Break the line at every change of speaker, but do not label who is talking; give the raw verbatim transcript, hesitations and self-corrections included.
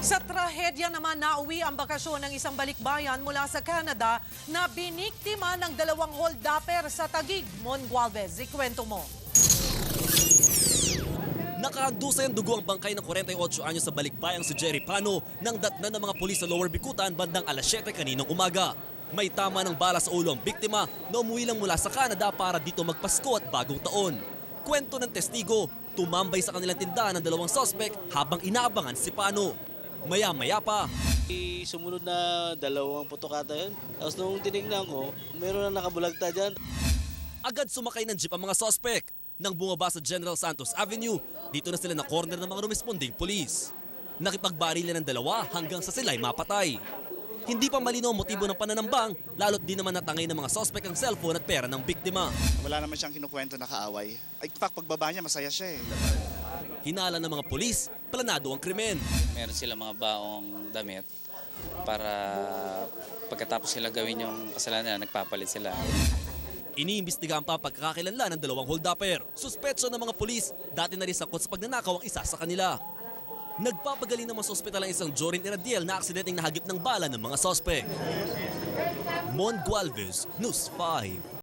Sa trahedya naman, nauwi ang bakasyon ng isang balikbayan mula sa Canada na biniktima ng dalawang hold-upper sa Taguig. Mon Gualvez, ikwento mo.
Nakahandusay ang dugo ang bangkay ng forty-eight anyos sa balikbayang si Jerry Pano nang datnan ng mga pulis sa Lower Bicutan bandang alas siyete kaninang umaga. May tama ng bala sa ulo ang biktima na umuwi lang mula sa Canada para dito magpasko at bagong taon. Kwento ng testigo, tumambay sa kanilang tindahan ng dalawang sospek habang inaabangan si Pano. Maya-maya pa,
Sumunod na dalawang putokata yun. Tapos nung tinignan ko, meron na nakabulagta dyan.
agad sumakay ng jeep ang mga sospek. Nang bumaba sa General Santos Avenue, dito na sila na corner ng mga rumesponding pulis. Nakipagbarilan ng dalawa hanggang sa sila'y mapatay. Hindi pa malinaw ang motibo ng pananambang, lalo't di naman natangay ng mga sospek ang cellphone at pera ng biktima.
Wala naman siyang kinukwento na kaaway. Ay, in fact, pagbaba niya, masaya siya eh.
Hinala ng mga pulis, planado ang krimen.
Meron sila mga baong damit para pagkatapos sila gawin yung kasalanan, nagpapalit sila.
Iniimbestigahan pa ang pagkakakilanlan ng dalawang hold-upper. Suspetso ng mga pulis, dati na rin sakot sa pagnanakaw ang isa sa kanila. Nagpapagaling naman sa ospital ang isang Jorin Iradiel na aksidenteng nahagip ng bala ng mga sospek. Mon Gualvez, News five.